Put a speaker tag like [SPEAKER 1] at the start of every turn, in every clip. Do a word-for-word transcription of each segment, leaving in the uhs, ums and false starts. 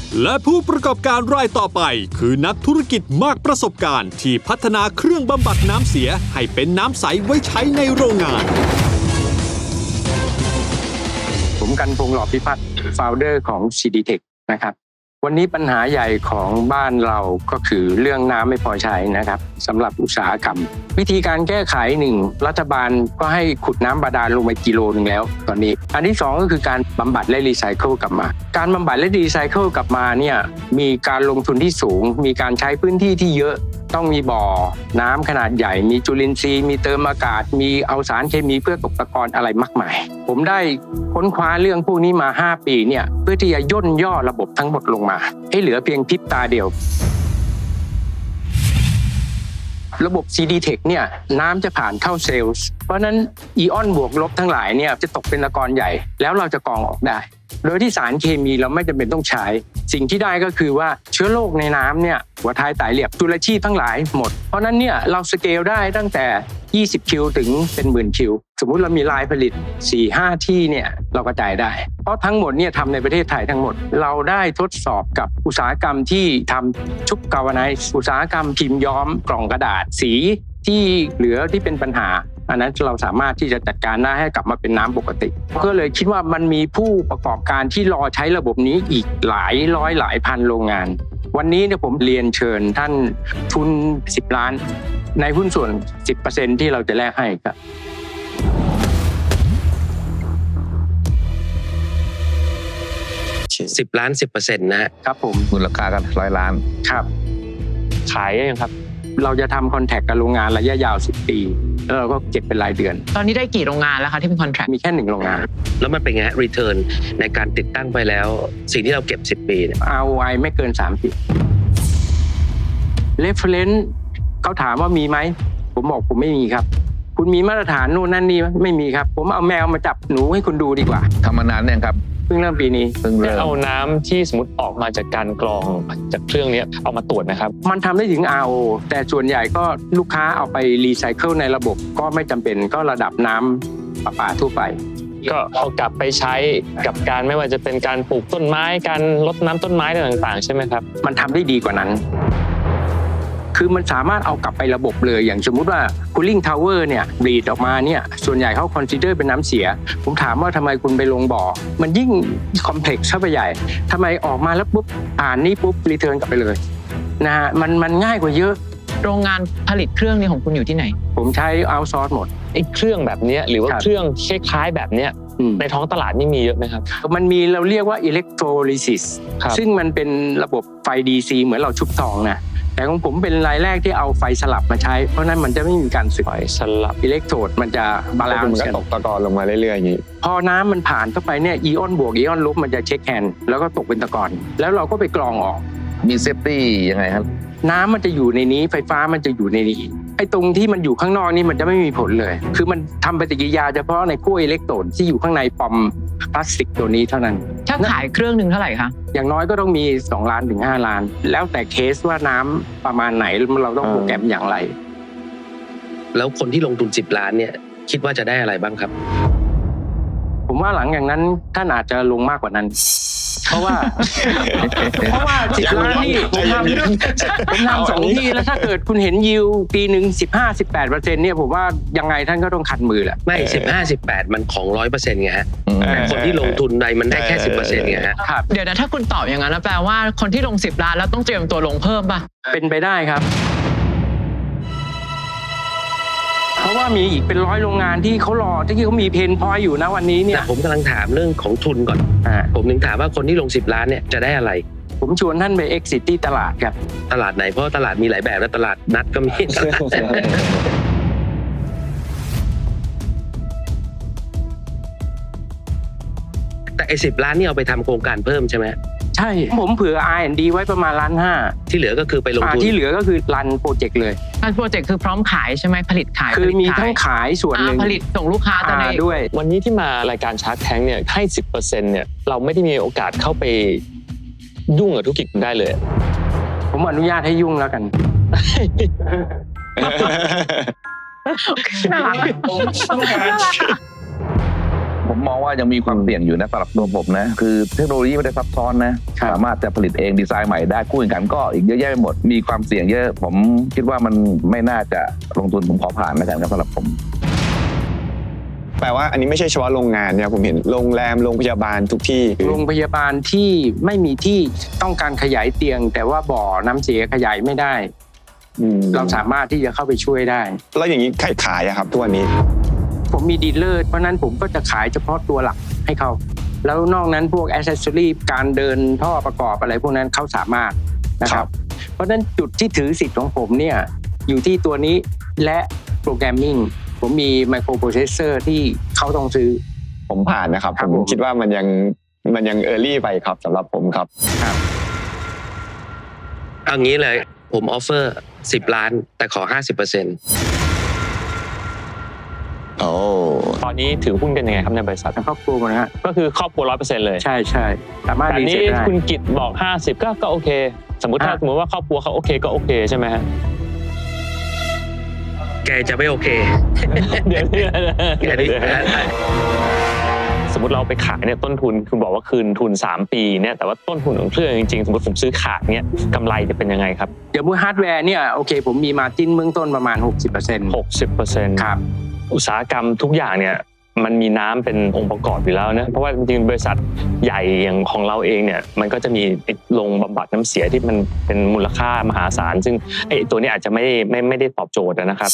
[SPEAKER 1] และผู้ประกอบการรายต่อไปคือนักธุรกิจมากประสบการณ์ที่พัฒนาเครื่องบำบัดน้ำเสียให้เป็นน้ำใสไว้ใช้ในโรงงาน
[SPEAKER 2] ผมกันพงษ์หล่อพิพัฒน์ โฟลเดอร์ ของ ซี ดี Tech นะครับวันนี้ปัญหาใหญ่ของบ้านเราก็คือเรื่องน้ำไม่พอใช้นะครับสำหรับอุตสาหกรรมวิธีการแก้ไขหนึ่งรัฐบาลก็ให้ขุดน้ำบาดาลลงไปกิโลนึงแล้วตอนนี้อันที่สองก็คือการบำบัดและรีไซเคิลกลับมาการบำบัดและรีไซเคิลกลับมาเนี่ยมีการลงทุนที่สูงมีการใช้พื้นที่ที่เยอะต้องมีบ่อน้ำขนาดใหญ่มีจุลินทรีย์มีเติมอากาศมีเอาสารเคมีเพื่อตกตะกอนอะไรมากมายผมได้ค้นคว้าเรื่องพวกนี้มาห้าปีเนี่ยเพื่อที่จะย่นย่อระบบทั้งหมดลงมาให้เหลือเพียงพริบตาเดียวระบบ ซี ดี Tech เนี่ยน้ำจะผ่านเข้าเซลล์เพราะนั้นอีออนบวกลบทั้งหลายเนี่ยจะตกเป็นตะกอนใหญ่แล้วเราจะกรองออกได้โดยที่สารเคมีเราไม่จำเป็นต้องใช้สิ่งที่ได้ก็คือว่าเชื้อโรคในน้ำเนี่ยหัวท้ายไตเหลียบจุลชีพทั้งหลายหมดเพราะนั้นเนี่ยเราสเกลได้ตั้งแต่ยี่สิบคิวถึงเป็นหมื่นคิวสมมุติเรามีลายผลิต สี่ห้า ที่เนี่ยเรากระจายได้เพราะทั้งหมดเนี่ยทำในประเทศไทยทั้งหมดเราได้ทดสอบกับอุตสาหกรรมที่ทำชุบกาวไนซ์อุตสาหกรรมพิมพ์ย้อมกล่องกระดาษสีที่เหลือที่เป็นปัญหาอันนั้นเราสามารถที่จะจัดการได้ให้กลับมาเป็นน้ำปกติก็เลยคิดว่ามันมีผู้ประกอบการที่รอใช้ระบบนี้อีกหลายร้อยหลายพันโรงงานวันนี้เนี่ยผมเรียนเชิญท่านทุนสิบล้านในหุ้นส่วน สิบเปอร์เซ็นต์ ที่เราจะแลกให้ครับ
[SPEAKER 3] สิบล้าน สิบเปอร์เซ็นต์ นะครับ
[SPEAKER 2] ผม
[SPEAKER 4] มูลค่ากันร้อยล้าน
[SPEAKER 2] ครับ
[SPEAKER 5] ขายยังครับ
[SPEAKER 2] เราจะทำคอนแทคกับโรงงานระยะยาวสิบปีแล้วเราก็เก็บเป็นรายเดือน
[SPEAKER 6] ตอนนี้ได้กี่โรงงานแล้วคะที่เป็นคอนแทค
[SPEAKER 2] มีแค่หนึ่งโรงงาน
[SPEAKER 3] แล้วมันเป็นไงฮะ return ในการติดตั้งไปแล้วสิ่งที่เราเก็บสิบปีเนี่ย
[SPEAKER 2] อาร์ โอ ไอ ไม่เกินสามสิบ reference เขาถามว่ามีไหมผมบอกผมไม่มีครับคุณมีมาตรฐานโน่นนั่นนี่ไม่มีครับผมเอาแมวมาจับหนูให้คุณดูดีกว่า
[SPEAKER 4] ทำมานานเนี่ยครับ
[SPEAKER 2] เพิ่งเริ่มปีนี้
[SPEAKER 4] เพิ่งเริ่ม
[SPEAKER 5] เอาน้ำที่สมมติออกมาจากการกรองจากเครื่องนี้เอามาตรวจนะครับ
[SPEAKER 2] มันทำได้ถึง อาร์ โอ แต่ส่วนใหญ่ก็ลูกค้าเอาไปรีไซเคิลในระบบก็ไม่จำเป็นก็ระดับน้ำประปาทั่วไป
[SPEAKER 5] ก็เอากลับไปใช้กับการไม่ว่าจะเป็นการปลูกต้นไม้การรดน้ำต้นไม้ต่างๆใช่ไหมครับ
[SPEAKER 2] มันทำได้ดีกว่านั้นคือมันสามารถเอากลับไประบบเลยอย่างสมมุติว่า cooling tower เนี่ยรีดออกมาเนี่ยส่วนใหญ่เขา consider เป็นน้ำเสียผมถามว่าทำไมคุณไปลงบ่อมันยิ่ง complex เข้าไปใหญ่ทำไมออกมาแล้วปุ๊บอ่านนี่ปุ๊บ return กลับไปเลยนะฮะมันมันง่ายกว่าเยอะ
[SPEAKER 6] โรงงานผลิตเครื่องนี้ของคุณอยู่ที่ไหน
[SPEAKER 2] ผมใช้ outsource หมด
[SPEAKER 5] ไอ้เครื่องแบบนี้หรือว่าเครื่องคล้ายๆแบบเนี้ยในท้องตลาดนี่มีเยอะไหมครับ
[SPEAKER 2] มันมีเราเรียกว่า electrolysis ซึ่งมันเป็นระบบไฟ ดี ซี เหมือนเราชุบทองนะแต่ของผมเป็นรายแรกที่เอาไฟสลับมาใช้เพราะนั้นมันจะไม่มีการสึก
[SPEAKER 5] ไฟสลับ
[SPEAKER 2] อิเล็กโทรดมันจะบาลานซ์
[SPEAKER 5] กันตกตะกอนลงมาเรื่อยๆอย่างนี้
[SPEAKER 2] พอน้ำมันผ่านเข้าไปเนี่ยอีออนบวกอีออนลบมันจะเช็คแฮนด์แล้วก็ตกเป็นตะกอนแล้วเราก็ไปกรองออก
[SPEAKER 4] มีเซฟตี้ยังไงครับ
[SPEAKER 2] น้ำมันจะอยู่ในนี้ไฟฟ้ามันจะอยู่ในนี้ไอ้ตรงที่มันอยู่ข้างนอกนี่มันจะไม่มีผลเลยคือมันทำปฏิกิริยาเฉพาะในขั้วอิเล็กโตรดที่อยู่ข้างในปอมพลาสติกตัวนี้เท่านั้น
[SPEAKER 6] ถ้าขายเครื่องนึงเท่าไหร่คะ
[SPEAKER 2] อย่างน้อยก็ต้องมีสองล้านถึงห้าล้านแล้วแต่เคสว่าน้ำประมาณไหนเราต้องโปรแกรมอย่างไร
[SPEAKER 3] แล้วคนที่ลงทุนสิบล้านเนี่ยคิดว่าจะได้อะไรบ้างครับ
[SPEAKER 2] ผมว่าหลังอย่างนั้นท่านอาจจะลงมากกว่านั้นเพราะว่าเพราะว่าสิบล้านนี่ผมทำผมทำสองที่แล้วถ้าเกิดคุณเห็นยิวปีหนึ่งสิบห้าสิบแปดเปอร์เซ็นต์เนี่ยผมว่ายังไงท่านก็ต้องคันมือแหละ
[SPEAKER 3] ไม่สิบห้าสิบแปดมันของร้อยเปอร์เซ็นต์ไงฮะแต่คนที่ลงทุนใดมันได้แค่สิบเปอร์เซ็นต์ไงฮะ
[SPEAKER 6] เดี๋ยวนะถ้าคุณตอบอย่างนั้นแปลว่าคนที่ลงสิบล้านแล้วต้องเตรียมตัวลงเพิ่มป่ะ
[SPEAKER 2] เป็นไปได้ครับเพราะว่ามีอีกเป็นร้อยโรงงานที่เขารอที่เขามีเพนพอยต์อยู่นะวันนี้เนี่ย
[SPEAKER 3] ผมกำลังถามเรื่องของทุนก่อนผมถึงถามว่าคนที่ลงสิบล้านเนี่ยจะได้อะไร
[SPEAKER 2] ผมชวนท่านไป exit ที่ตลาดครับ
[SPEAKER 3] ตลาดไหนเพราะตลาดมีหลายแบบนะตลาดนัดก็มีแต่ไอ้สิบล้านนี่เอาไปทำโครงการเพิ่มใช่ไหม
[SPEAKER 2] ใช่ผมเผื่อ อาร์ แอนด์ ดี ไว้ประมาณล้านห้า
[SPEAKER 3] ที่เหลือก็คือไปลงทุน
[SPEAKER 2] ที่เหลือก็คือรันโปรเจกต์เลย
[SPEAKER 6] รันโปรเจกต์คือพร้อมขายใช่ไหมผลิตขาย
[SPEAKER 2] คือมีทั้งขายส่วนหนึ่ง
[SPEAKER 6] ผลิตส่งลูกค้าตอนนี้
[SPEAKER 2] ด้วย
[SPEAKER 5] วันนี้ที่มารายการชาร์คแทงเนี่ยให้ สิบเปอร์เซ็นต์ เนี่ยเราไม่ได้มีโอกาสเข้าไปยุ่งกับธุรกิจได้เลย
[SPEAKER 2] ผมอนุญาตให้ยุ่งแล้วกัน
[SPEAKER 6] น่ารักน่ารัก
[SPEAKER 4] ผมมองว่ายังมีความเสี่ยงอยู่นะสำหรับตัวผมนะคือเทคโนโลยีไม่ได้ซับซ้อนนะสามารถจะผลิตเองดีไซน์ใหม่ได้คู่แข่งขันก็อีกเยอะแยะไปหมดมีความเสี่ยงเยอะผมคิดว่ามันไม่น่าจะลงทุนผมขอผ่านแล้วกันครับสำหรับผม
[SPEAKER 7] แปลว่าอันนี้ไม่ใช่เฉพาะโรงงานเนี่ยผมเห็นโรงแรมโรงพยาบาลทุกที่
[SPEAKER 2] โรงพยาบาลที่ไม่มีที่ต้องการขยายเตียงแต่ว่าบ่อน้ำเสียขยายไม่ได้เราสามารถที่จะเข้าไปช่วยได้
[SPEAKER 7] แล้วอย่างนี้ใครขายอะครับทุกวันนี้
[SPEAKER 2] ผมมีดีลเลอร์เพราะนั้นผมก็จะขายเฉพาะตัวหลักให้เขาแล้วนอกนั้นพวกแอคเซสซอรี่การเดินท่อประกอบอะไรพวกนั้นเขาสามารถนะครับเพราะฉะนั้นจุดที่ถือสิทธิ์ของผมเนี่ยอยู่ที่ตัวนี้และโปรแกรมมิ่งผมมีไมโครโปรเซสเซอร์ที่เขาต้องซื้อ
[SPEAKER 7] ผมผ่านนะครับผมคิดว่ามันยังมันยังเออร์ลี่ไปครับสำหรับผมครับ
[SPEAKER 2] ครับ
[SPEAKER 3] เอางี้เลยผมออฟเฟอร์สิบล้านแต่ขอ ห้าสิบเปอร์เซ็นต์
[SPEAKER 7] โอ้
[SPEAKER 5] ตอนนี้ถือหุ้นกันยังไงครับในบริษัท
[SPEAKER 2] ครอบครัวนะฮะ
[SPEAKER 5] ก็คือครอบครัว ร้อยเปอร์เซ็นต์ เลย
[SPEAKER 2] ใช่ใช่สามารถรีเซ็ตได้
[SPEAKER 5] แต่นี่คุณกิตบอกห้าสิบก็ก็โอเคสมมุติถ้าสมมุติว่าครอบครัวเขาโอเคก็โอเคใช่ไหมฮะ
[SPEAKER 3] แกจะไม่โอเค
[SPEAKER 5] เดี๋ยวนี้สมมติเราไปขายเนี่ยต้นทุนคุณบอกว่าคืนทุนสามปีเนี่ยแต่ว่าต้นทุนของเครื่องจริงๆสมมติผมซื้อขาดเนี่ยกำไรจะเป็นยังไงครับ
[SPEAKER 2] เดี๋ยวมือฮาร์ดแวร์เนี่ยโอเคผมมีมาร์จิ้นเบื้องต้นประมาณ หกสิบเปอร์เซ็นต์
[SPEAKER 5] หกสิบเปอร์เซ็นต์
[SPEAKER 2] ครับ
[SPEAKER 5] อุตสาหกรรมทุกอย่างเนี่ยมันมีน้ำเป็นองค์ประกอบอยู่แล้วนะเพราะว่าจริงๆบริษัทใหญ่อย่างของเราเองเนี่ยมันก็จะมีโรงบำบัดน้ำเสียที่มันเป็นมูลค่ามหาศาลซึ่งไอ้ตัวนี้อาจจะไม่ไม่ไม่ได้ตอบโจทย์นะครับ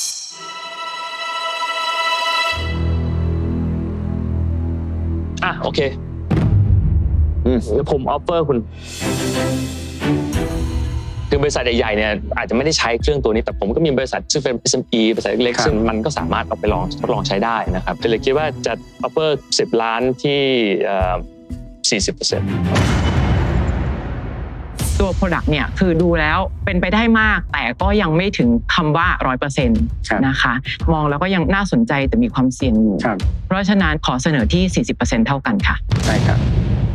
[SPEAKER 5] อ่ะโอเคอืมผมออฟเฟอร์คุณคือบริษัทใหญ่ๆเนี่ยอาจจะไม่ได้ใช้เครื่องตัวนี้แต่ผมก็มีบริษัทซึ่งเป็น เอส เอ็ม อี บริษัทเล็กๆซึ่งมันก็สามารถเอาไปลองทดลองใช้ได้นะครับเลยคิดว่าจะออฟเฟอร์สิบล้านที่เอ่อ สี่สิบเปอร์เซ็นต์
[SPEAKER 6] ตัว product เนี่ยคือดูแล้วเป็นไปได้มากแต่ก็ยังไม่ถึงคำว่า ร้อยเปอร์เซ็นต์ นะคะมองแล้วก็ยังน่าสนใจแต่มีความเสี่ยงอยู่เพราะฉะนั้นขอเสนอที่ สี่สิบเปอร์เซ็นต์ เท่ากันค่ะ
[SPEAKER 2] ใช่ครับ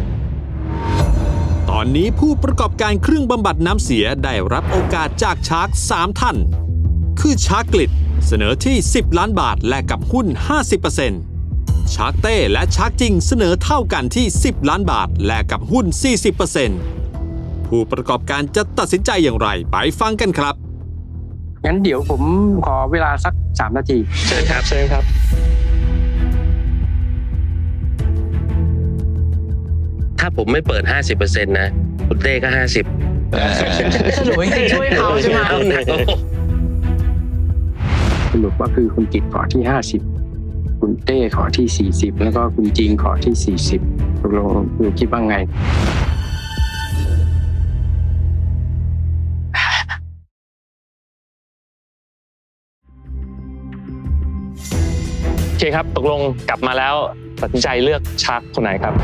[SPEAKER 1] ตอนนี้ผู้ประกอบการเครื่องบำบัดน้ำเสียได้รับโอกาสจากชาร์กสามท่านคือชาร์กกลิดเสนอที่สิบล้านบาทแลกกับหุ้น ห้าสิบเปอร์เซ็นต์ ชาร์กเต้และชาร์กจริงเสนอเท่ากันที่สิบล้านบาทแลกกับหุ้น สี่สิบเปอร์เซ็นต์ ผู้ประกอบการจะตัดสินใจอย่างไรไปฟังกันครับ
[SPEAKER 2] งั้นเดี๋ยวผมขอเวลาสักสามนาที
[SPEAKER 3] เชิญครับเชิญครับถ้าผมไม่เปิด ห้าสิบเปอร์เซ็นต์ นะคุณเต้ก็ห้าสิบ
[SPEAKER 6] สรุปจริงๆช่วยเขาใช่ไหม
[SPEAKER 2] สรุปว่าคือคุณกิตขอที่ห้าสิบคุณเต้ขอที่สี่สิบแล้วก็คุณจริงขอที่สี่สิบตกลงคุณคิดว่าไง
[SPEAKER 5] โอเคครับตกลงกลับมาแล้วตัดสินใจเลือกชาร์กคนไหนครับ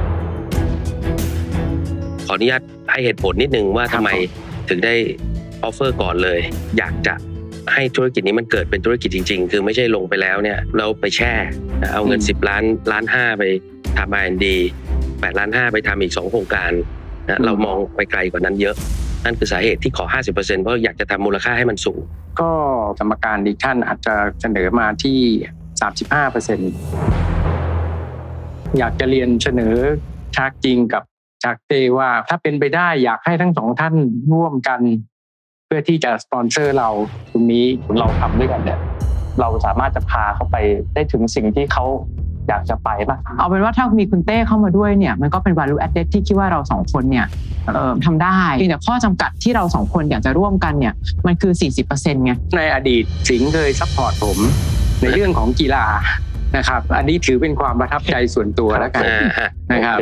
[SPEAKER 3] ขออนุญาตให้เหตุผลนิดนึงว่าทำไมถึงได้ออฟเฟอร์ก่อนเลยอยากจะให้ธุรกิจนี้มันเกิดเป็นธุรกิจจริงๆคือไม่ใช่ลงไปแล้วเนี่ยเราไปแช่เอาเงินสิบล้านล้านห้าไปทำ อาร์ แอนด์ ดี แปดล้านห้าไปทำอีกสองโครงการนะเรามองไปไกลกว่านั้นเยอะนั่นคือสาเหตุที่ขอ ห้าสิบเปอร์เซ็นต์ เพราะอยากจะทำมูลค่าให้มันสูง
[SPEAKER 2] ก็กรรมการอีกท่านอาจจะเสนอมาที่ สามสิบห้าเปอร์เซ็นต์ อยากจะเรียนเสนอชาร์กจริงกับชาร์กเต้ว่าถ้าเป็นไปได้อยากให้ทั้งสองท่านร่วมกันเพื่อที่จะสปอนเซอร์เราตรงนี้
[SPEAKER 5] เราทำด้วยกันเนี่ยเราสามารถจะพาเขาไปได้ถึงสิ่งที่เขาอยากจะไปป่ะ
[SPEAKER 6] เอาเป็นว่าถ้ามีคุณเต้เข้ามาด้วยเนี่ยมันก็เป็น value added ที่คิดว่าเราสองคนเนี่ยเอ่อทำได้แต่ข้อจำกัดที่เราสองคนอยากจะร่วมกันเนี่ยมันคือ สี่สิบเปอร์เซ็นต์ ไง
[SPEAKER 2] ในอดีตสิงห์เคยซัพพอร์ตผมในเรื่องของกีฬานะครับอันนี้ถือเป็นความประทับใจส่วนตัวแล้วกันนะครับ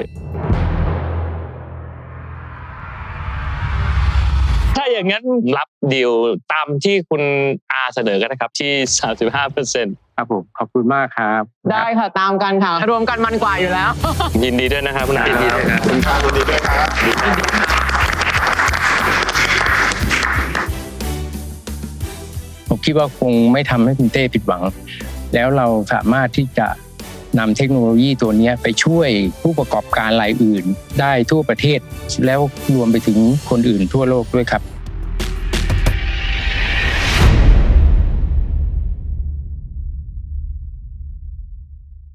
[SPEAKER 5] ถ้าอย่างนั้นรับดีลตามที่คุณอาเสนอกันนะครับที่ สามสิบห้าเปอร์เซ็นต์
[SPEAKER 2] ครับผมขอบคุณมากครับ
[SPEAKER 6] ได้ค่ะตามกันค่ะรวมกันมันกว่าอยู่แล้ว
[SPEAKER 5] ยินดีด้วยนะครับคุณอา
[SPEAKER 3] ยินดีด้วยครับ
[SPEAKER 7] คุณอายินดีด้วยครับ
[SPEAKER 2] ผมคิดว่าคงไม่ทำให้คุณเต้ผิดหวังแล้วเราสามารถที่จะนำเทคโนโลยีตัวนี้ไปช่วยผู้ประกอบการรายอื่นได้ทั่วประเทศแล้วรวมไปถึงคนอื่นทั่วโลกด้วยครับ